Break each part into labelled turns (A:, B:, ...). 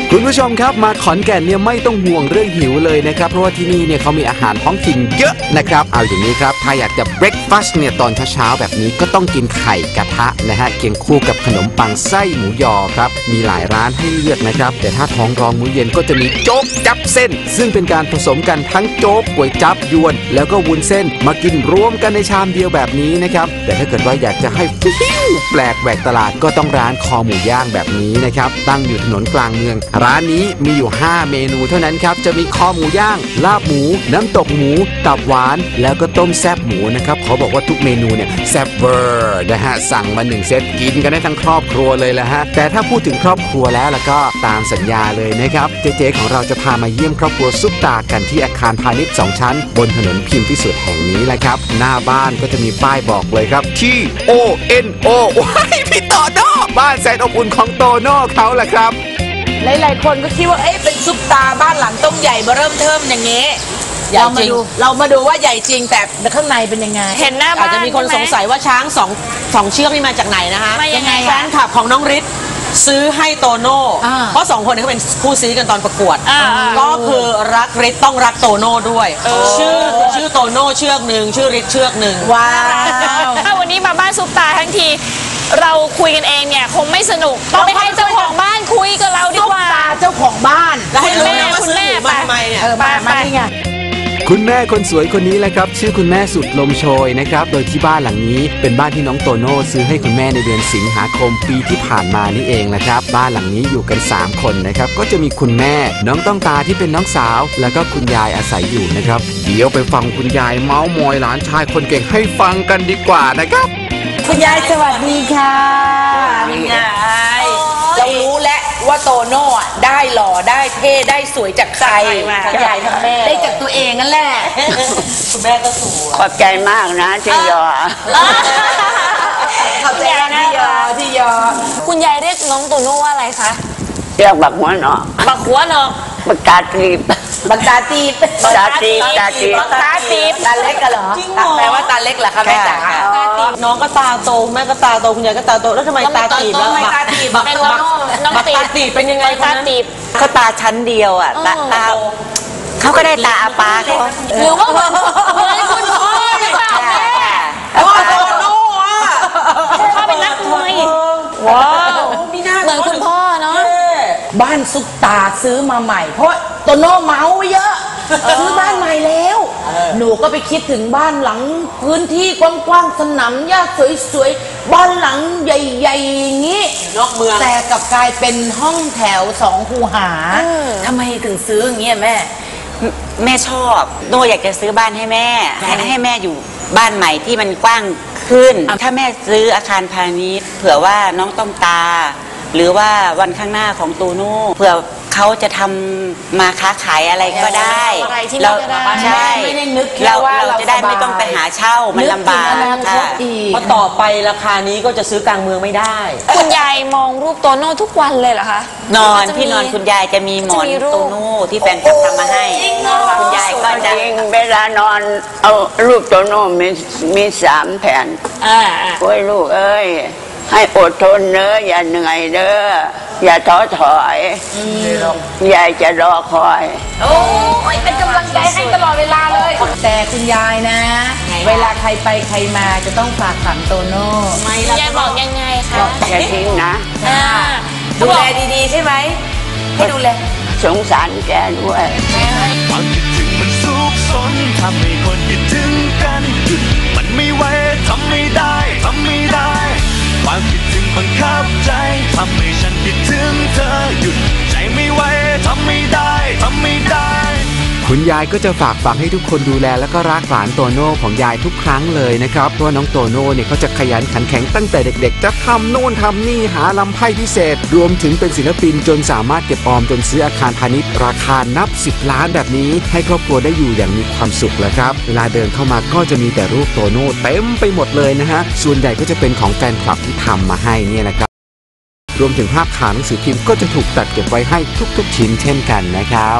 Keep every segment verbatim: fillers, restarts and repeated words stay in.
A: คุณผู้ชมครับมาขอนแก่นเนี่ยไม่ต้องห่วงเรื่องหิวเลยนะครับเพราะว่าที่นี่เนี่ยเขามีอาหารท้องถิ่นเยอะนะครับเอาอย่างนี้ครับถ้าอยากจะเบรคฟาสต์เนี่ยตอนเช้าๆแบบนี้ก็ต้องกินไข่กระทะนะฮะเคียงคู่กับขนมปังไส้หมูยอครับมีหลายร้านให้เลือกนะครับแต่ถ้าท้องร้องมื้อเย็นก็จะมีโจ๊กจับเส้นซึ่งเป็นการผสมกันทั้งโจ๊กก๋วยจั๊บยวนแล้วก็วุ้นเส้นมากินรวมกันในชามเดียวแบบนี้นะครับแต่ถ้าเกิดว่าอยากจะให้ฟิวแปลกแหวกตลาดก็ต้องร้านคอหมูย่างแบบนี้นะครับตั้งอยู่ถนนกลางเมืองร้านนี้มีอยู่ห้าเมนูเท่านั้นครับจะมีคอหมูย่างลาบหมูน้ำตกหมูตับหวานแล้วก็ต้มแซ่บหมูนะครับเขาบอกว่าทุกเมนูเนี่ยแซ่บเวอร์นะฮะสั่งมาหนึ่งเซตกินกันได้ทั้งครอบครัวเลยละฮะแต่ถ้าพูดถึงครอบครัวแล้วแล้วก็ตามสัญญาเลยนะครับเจ๊ๆของเราจะพามาเยี่ยมครอบครัวซุปตากันที่อาคารพาณิชย์สองชั้นบนถนนพิมพ์พิสุทธิ์แห่งนี้แหละครับหน้าบ้านก็จะมีป้ายบอกเลยครับ T O N O ว้ายพี่โตโน่บ้านแสนอบอุ่นของโตโน่เขาแหละครับ
B: หลายๆคนก็คิดว่าเอ๊ะเป็นซุปตาบ้านหลังต้องใหญ่เบ้อเริ่มเทิมอย่างงี้เรามาดูเรามาดูว่าใหญ่จริงแต่ข้างในเป็นยังไง
C: เห็นหน้าบ้าน
D: อาจจะมีคนสงสัยว่าช้างสองสองเชือกนี่มาจากไหนนะคะ
C: มายังไง
D: แฟนคลับของน้องฤทธิ์ซื้อให้โตโน่เพราะสองคนนี้เขาเป็นคู่ซีกันตอนประกวดก็คือรักฤทธิ์ต้องรักโตโน่ด้วยชื่อชื่อโตโน่เชือกหนึ่งชื่อฤทธิ์เชือกหนึ่ง
B: ว้าว
C: ถ้าวันนี้มาบ้านซุปตาทั้งทีเราคุยกันเองเนี่ยคงไม่สนุกต้องไปให้เจ้าของบ้านคุยกับเราดีกว่า
B: ซุปตาเจ้าของบ้าน
D: แล้วให้รู้นะว่าซื้อหมูมาทำไมเนี่ย
B: เออมามานี่ไง
A: คุณแม่คนสวยคนนี้แหละครับชื่อคุณแม่สุดลมโชยนะครับโดยที่บ้านหลังนี้เป็นบ้านที่น้องโตโน่ซื้อให้คุณแม่ในเดือนสิงหาคมปีที่ผ่านมานี่เองนะครับบ้านหลังนี้อยู่กันสามคนนะครับก็จะมีคุณแม่น้องต้องตาที่เป็นน้องสาวแล้วก็คุณยายอาศัยอยู่นะครับเดี๋ยวไปฟังคุณยายเมาส์มอยหลานชายคนเก่งให้ฟังกันดีกว่านะครับ
B: คุณยายสวัสดีค่ะคุณยายเรารู้แล้วว่าโตโน่ได้หล่อได้เท่ได้สวยจากใครทั้งยายทั้งแม่ได้จากตัวเองนั่นแหละ
D: คุณแม่ก็สวย
E: ขอบใจมากนะที่ยอ
B: ขอบใจนะที่ยอที่ยอ
C: คุณยายเรียกน้องโตโน่ว่าอะไรคะ
E: เรียกบักหัวเนาะ
C: บักหัวเนาะ
E: บักตาตีบ
B: บักตาตีบ
E: บักตาตีบตาตีบ
C: บักตาตีบ
B: ตาเล็กกันเหรอแปลว่าตาเล็กเหรอคะแม่จ๋า
D: น้องก็ตาโตแม่ก็ตาโตคุณยายก็ตาโตแล้วทำไมตาตีบแล้ว
B: บักตาตีบบัก
C: น้อง
D: ตาตีบเป็นยังไง
C: ตาตีบ
E: เขาตาชั้นเดียวอ่ะตาตาเขาก็ได้ตาอาปาเขา
C: หรือว่าเหมือนเหมือนคุณพ่อหรือเปล่าแม่
D: พ่อโตโน่อะ
C: พ่อเป็นนักมวย
D: ว้าว
C: เหมือนคุณพ่อเนาะ
B: บ้านซุปตาซื้อมาใหม่เพราะโตโน่เมาเยอะซื้อบ้านใหม่แล้วหนูก็ไปคิดถึงบ้านหลังพื้นที่กว้างๆสนามหญ้าสวยๆบ้านหลังใหญ่ๆอย่างนี้
D: นอกเมือง
B: แต่กลับกลายเป็นห้องแถวสองคูหาทำไมถึงซื้ออย่างเงี้ยแม่
E: แม่ชอบโน่อยากจะซื้อบ้านให้แม่ให้แม่อยู่บ้านใหม่ที่มันกว้างขึ้นถ้าแม่ซื้ออาคารพาณิชย์เผื่อว่าน้องต้องตาหรือว่าวันข้างหน้าของโตโน่เผื่อเขาจะทำมาค้าขายอะไรก็ได้เราใช่เราเราจะได้ไม่ต้องไปหาเช่ามันลำบาก
D: เพราะต่อไปราคานี้ก็จะซื้อกลางเมืองไม่ได้
C: คุณยายมองรูปโตโน่ทุกวันเลยเหรอคะ
E: นอนที่นอนคุณยายจะมีหมอนโตโน่ที่แฟนคลับทำมาให้คุณยายก็จะเวลานอนเอารูปโตโน่มีมีสามแผ่นโอ้ยลูกเอ้ยให้อดทนเนอะอย่าเหนื่อยเด้ออย่าท้อถอยยายจะรอคอย
B: โอ้ยเป็นกำลังใจให้ตลอดเวลาเลยแต่คุณยายนะเวลาใครไปใครมาจะต้องฝากฝังโตโน่
C: ยายบอกยังไงคะ
E: อย่าทิ้งนะ
B: ดูแลดีๆใช่ไหมให้ดูแล
E: สงสารแกด้วย
F: ความคิดถึงมันซุกซนทำให้คนคิดถึงกันมันไม่ไหวทำไม่ได้ทำไม่ได้ความคิดถึงบังคับใจทำให้ฉันคิดถึงเธอหยุดใจไม่ไหวทำไม่ได้ทำไม่ได้
A: คุณยายก็จะฝากฝังให้ทุกคนดูแลและก็รักหลานโตโน่ของยายทุกครั้งเลยนะครับเพราะน้องโตโน่เนี่ยเขาจะขยันขันแข็งตั้งแต่เด็กๆจะทำโน่นทำนี่หาลำไพ่พิเศษรวมถึงเป็นศิลปินจนสามารถเก็บออมจนซื้ออาคารพาณิชย์ราคานับสิบล้านแบบนี้ให้ครอบครัวได้อยู่อย่างมีความสุขเลยครับเวลาเดินเข้ามาก็จะมีแต่รูปโตโน่เต็มไปหมดเลยนะฮะส่วนใหญ่ก็จะเป็นของแฟนคลับที่ทำมาให้เนี่ยนะครับรวมถึงภาพข่าวหนังสือพิมพ์ก็จะถูกตัดเก็บไว้ให้ทุกๆชิ้นเช่นกันนะครับ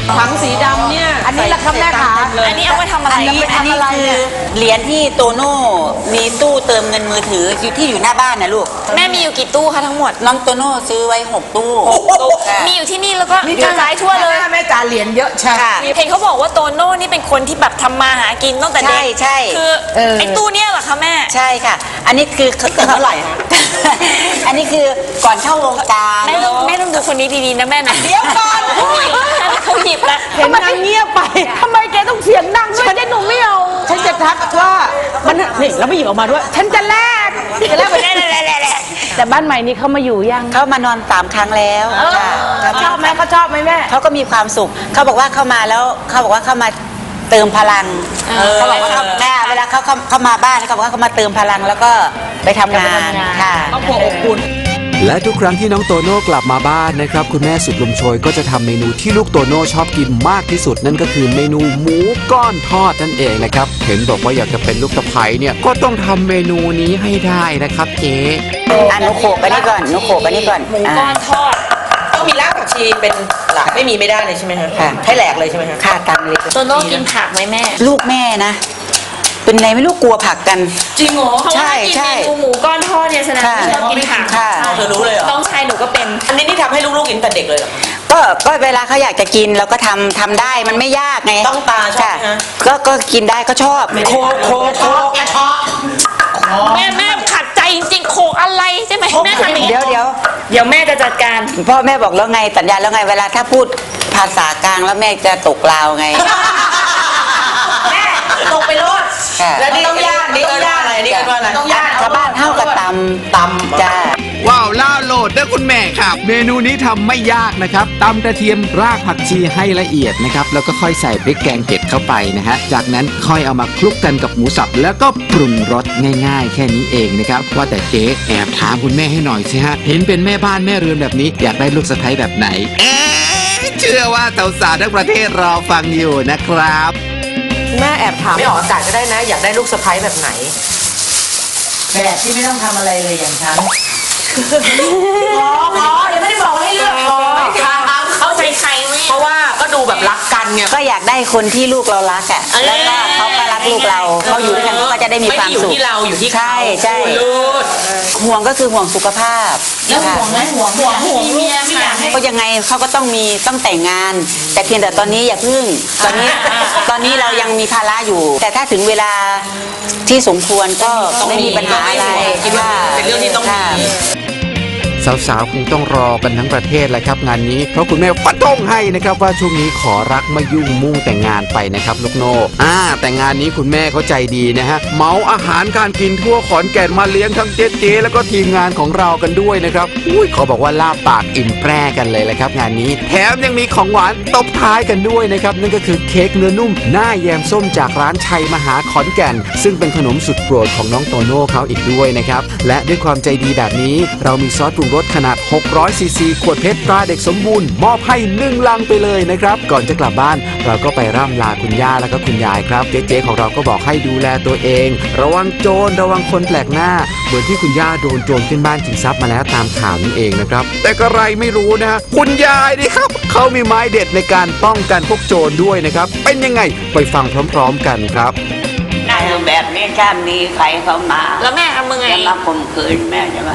D: ถังสีดำเนี่ย
B: อันนี้ล่ะครับแม่ขา
C: อันนี้เอาไปทำอะไร
E: อันนี้อันนี้คือเหรียญที่โตโน่มีตู้เติมเงินมือถืออยู่ที่อยู่หน้าบ้านนะลูก
C: แม่มีอยู่กี่ตู้คะทั้งหมด
E: น้องโตโน่ซื้อไว้หกตู้ค่ะ
C: มีอยู่ที่นี่แล้วก็กระจายทั่วเลย
B: แม่จ๋าเหรียญเยอะใช่
E: ค่ะ
C: เห็นเขาบอกว่าโตโน่นี่เป็นคนที่แบบทำมาหากินตั้งแต่เด็ก
E: ใช่ใช่
C: คือ
B: เออ
C: ไอ้ตู้เนี่ยเหรอคะแม่
E: ใช่ค่ะ อันนี้คือเท่าไหร่อันนี้คือก่อนเข้าวงการ
C: แม่ต้องแม่ต้องดูคนนี้ดีๆนะแม่นะ
E: เดี๋ยวก่อน
C: เขาหยิบแล้ว
B: เห็นนางเงียบไปทำไมแกต้องเสียงดังด้วยฉันหนูไม่เอาฉันจะทักว่ามันนี่แล้วไม่หยิบออกมาด้วย ฉันจะแลกจะแลกไปแลกแต่บ้านใหม่นี้เขามาอยู่ยัง
E: เขามานอนสามครั้งแล้วค่ะ
B: ชอบไหมเขาชอบไหมแม่
E: เขาก็มีความสุข เขาบอกว่าเข้ามาแล้วเขาบอกว่าเข้ามาเติมพลังเขาบอกว่าเขาแม่เวลาเขาเข้าเข้ามาบ้านเขาบอกว่าเขามาเติมพลังแล้วก็ไปทำงานค่ะ
D: ครอบครัวอบอุ่น
A: และทุกครั้งที่น้องโตโน่กลับมาบ้านนะครับคุณแม่สุดลมโชยก็จะทำเมนูที่ลูกโตโน่ชอบกินมากที่สุดนั่นก็คือเมนูหมูก้อนทอดนั่นเองนะครับเห็นบอกว่าอยากจะเป็นลูกสะใภ้เนี่ยก็ต้องทำเมนูนี้ให้ได้นะครับเจ๊
E: อ่ะหนูโขกอันนี้ก่อนหนูโขกอันนี้ก่อน
C: หมูก้อนทอด
D: ต้องมีรากผักชีเป็นหลักไม่มีไม่ได้เลยใช่ไหมคะ
E: ค่ะ
D: ให้แหลกเลยใช่ไหมคะ
E: ค่ะตามเลย
C: โตโน่กินผักไหมแม่
E: ลูกแม่นะ เป็นไงไม่รู้กลัวผักกัน
C: จริงเหรอเพราะ
E: ใช่
C: ว่ากิน
E: ใช่
C: เมนูหมูก้อนทอดเนี่ยแสดงว่า
E: ค่ะ
C: ชอบกินผัก
E: ค่ะ
D: เธอรู้เลยเหรอ
C: ต้องชายหนูก็เป็น
D: อันนี้นี่ทำให้ลูกๆกินแต่เด็กเลยเหรอ
E: ก็ก็เวลาเขาอยากจะกินเราก็ทำทำได้มันไม่ยากไง
D: ต้องตาชอบไหม
E: ค่ะ
D: ฮะ
E: ก็ก็กินได้ก็ชอบโคกโคกโคก
C: แม่แม่ขัดใจจริงๆโขกอะไรใช่ไหมแม่ทำอย่างนี้
E: เดี๋ยวเดี๋ยว
C: เดี๋ยวแม่จะจัดการ
E: พ่อแม่บอกแล้วไงสัญญาแล้วไงเวลาถ้าพูดภาษากลางแล้วแม่จะตกลาวไง
D: แม่ตกไปรถ
E: ค่ะ
D: แล้วนี่ต้องย่างนี่ต้องย่างอะไรนี่ต้องอะไรต้องย่าง
E: ชาวบ้านเท่ากับตำ
D: ตำ
E: จ้า
A: ว้าวล่าโหลดนะคุณแม่ครับ เมนูนี้ทำไม่ยากนะครับตำกระเทียมรากผักชีให้ละเอียดนะครับแล้วก็ค่อยใส่พริกแกงเผ็ดเข้าไปนะฮะจากนั้นค่อยเอามาคลุกกันกับหมูสับแล้วก็ปรุงรสง่ายๆ แค่นี้เองนะครับว่าแต่เจ๊แอบถามคุณแม่ให้หน่อยสิฮะเห็นเป็นแม่บ้านแม่เรือนแบบนี้อยากได้ลูกสะใภ้แบบไหนเอ๊ะเชื่อว่าสาวๆทั้งประเทศรอฟังอยู่นะครับ
D: แม่แอบถามไม่ออกอากาศก็ได้นะ อยากได้ลูกสะใภ้แบบไหน
B: แบบที่ไม่ต้องทำอะไรเลยอย่างฉัน
D: อ๋ออ๋อยังไม่ได้บอกให้เลือกอ๋อเขาใจใครเพราะว่าก็ดูแบบรักกันไง
E: ก็อยากได้คนที่ลูกเรารักอ่ะแล้วก็เขาก็รักลูกเราเขาอยู่ด้วยกันเขาก็จะได้มีความสุข
D: ไม่ได้อยู่ที่เราอยู่ที่เขา
E: ใช่ใช่
D: ลูก
E: ห่วงก็คือห่วงสุขภาพ
B: แล้วห่วงไหมห่วงห่วงห่วงเมียไม่อยากให้
E: ก็ยังไงเขาก็ต้องมีต้องแต่งงาน แต่เพียงแต่ตอนนี้อย่าพึ่งตอนนี้ตอนนี้เรายังมีภาระอยู่ แต่ถ้าถึงเวลาที่สมควรก็ไม่มีปัญหาอะไร
D: คิดว่าเป็นเรื่องที่ต้องมี
E: ค่ะ
A: สาวๆคงต้องรอกันทั้งประเทศเลยครับงานนี้เพราะคุณแม่ฟันธงให้นะครับว่าช่วงนี้ขอรักไม่ยุ่งมุ่งแต่งงานไปนะครับลูกโน่อ่าแต่งานนี้คุณแม่เขาใจดีนะฮะเหมาอาหารการกินทั่วขอนแก่นมาเลี้ยงทั้งเจ๊เจ๊แล้วก็ทีมงานของเรากันด้วยนะครับอุ้ยเขาบอกว่าลาบปากอิ่มแปร่กันเลยแหละครับงานนี้แถมยังมีของหวานตบท้ายกันด้วยนะครับนั่นก็คือเค้กเนื้อนุ่มหน้าแยมส้มจากร้านชัยมหาขอนแก่นซึ่งเป็นขนมสุดโปรดของน้องโตโน่เขาอีกด้วยนะครับและด้วยความใจดีแบบนี้เรามีซอสปรุงรสขนาดหกร้อยซีซีขวดเพชรตราเด็กสมบูรณ์มอบให้หนึ่งลังไปเลยนะครับก่อนจะกลับบ้านเราก็ไปร่ำลาคุณย่าแล้วก็คุณยายครับเจ๊ๆของเราก็บอกให้ดูแลตัวเองระวังโจรระวังคนแปลกหน้าเหมือนที่คุณย่าโดนโจรขึ้นบ้านชิงทรัพย์มาแล้วตามข่าวนั่นเองนะครับแต่ก็ไรไม่รู้นะฮะคุณยายนี่ครับเขามีไม้เด็ดในการป้องกันพวกโจรด้วยนะครับเป็นยังไงไปฟังพร้อมๆกันครับ
E: ได้แบบนี้ถ้ามีใครเข้ามา
C: แล้วแม่ทำมึงไง
E: จะมาข่มขืนแม่จะมา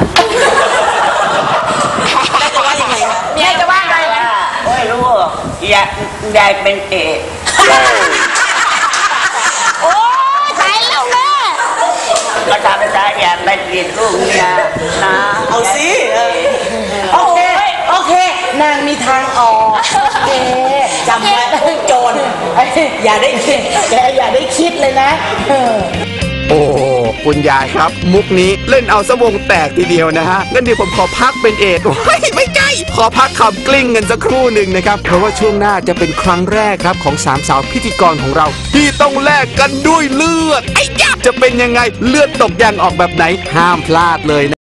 D: จะว่ายังไงคะ
C: แม่จะว่าไง
E: ไม่รู้อยากยายเป็นเอก
C: โอ้ตายแล้วแม่
E: ก็ทำใจอยากไปติดลูกเมียนะ
D: เอาสิเออ
B: โอเคโอเคนางมีทางออกโอเคจำไว้โจรอย่าได้คิดแกอย่าได้คิดเลยนะเออ
A: โอ้คุณยายครับ มุกนี้เล่นเอาสวงแตกทีเดียวนะฮะงั้นเดี๋ยวผมขอพักเป็นเอดโอ้ยไม่ใช่ขอพักคำกลิ้งกันสักครู่หนึ่งนะครับเพราะว่าช่วงหน้าจะเป็นครั้งแรกครับของสามสาวพิธีกรของเรา ที่ต้องแลกกันด้วยเลือดไอ้ยะจะเป็นยังไงเลือดตกยางออกแบบไหนห้ามพลาดเลยนะ